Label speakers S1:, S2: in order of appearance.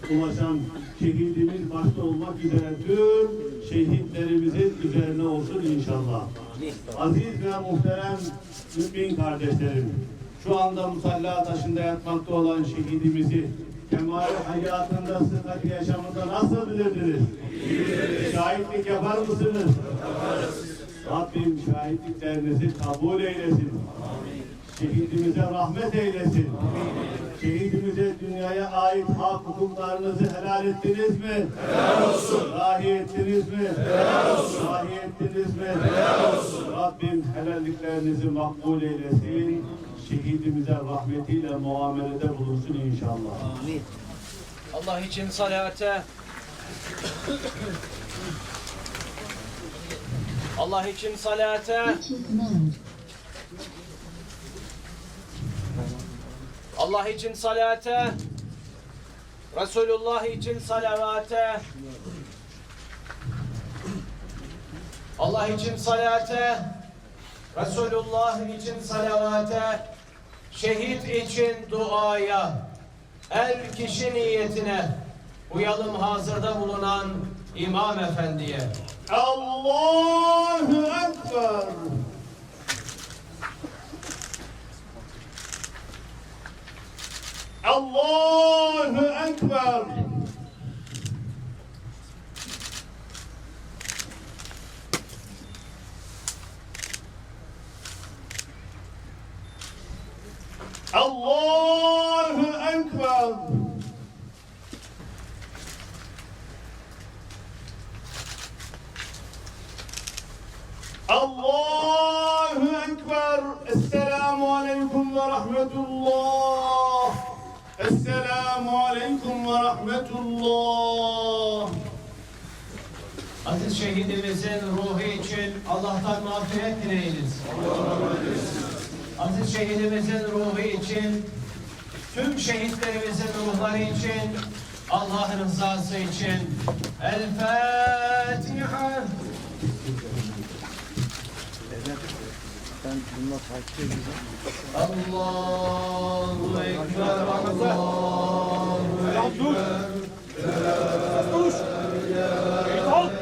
S1: ulaşan şehidimiz başta olmak üzere tüm şehitlerimizin üzerine olsun inşallah. Aziz ve muhterem mümin kardeşlerim, şu anda musalla taşında yatmakta olan şehidimizi kemal hayatında, sıhhat yaşamında nasıl bilirdiniz? Şahitlik yapar mısınız? Yaparız. Rabbim şahitliklerinizi kabul eylesin. Şehidimize rahmet eylesin. Şehidimize dünyaya ait hak hukuklarınızı helal ettiniz mi? Helal olsun. Rahi ettiniz mi? Helal olsun. Rahi ettiniz mi? Helal olsun. Rabbim helalliklerinizi makbul eylesin. Şehidimize rahmetiyle muamelede bulunsun inşallah.
S2: Amin. Allah için salate. Allah için salate. Allah için salate. Resulullah için salavate. Allah için salate. Resulullah için salavate. Şehit için duaya. El kişi niyetine. Uyalım hazırda bulunan İmam Efendi'ye.
S1: Allahu Ekber. Allahu Ekber. Allahu Ekber. Allahu Ekber. Esselamu Aleyküm ve Rahmetullah. Esselamu Aleyküm ve Rahmetullah.
S2: Aziz şehidimizin ruhu için Allah'tan mağfiret dileyiniz. Aziz şehidimizin ruhu için, tüm şehitlerimizin ruhları için, Allah'ın rızası için. El Fatiha.
S3: Ben bununla takip edeceğim.
S2: Allahu Ekber, Allahu Ekber.
S4: Dur!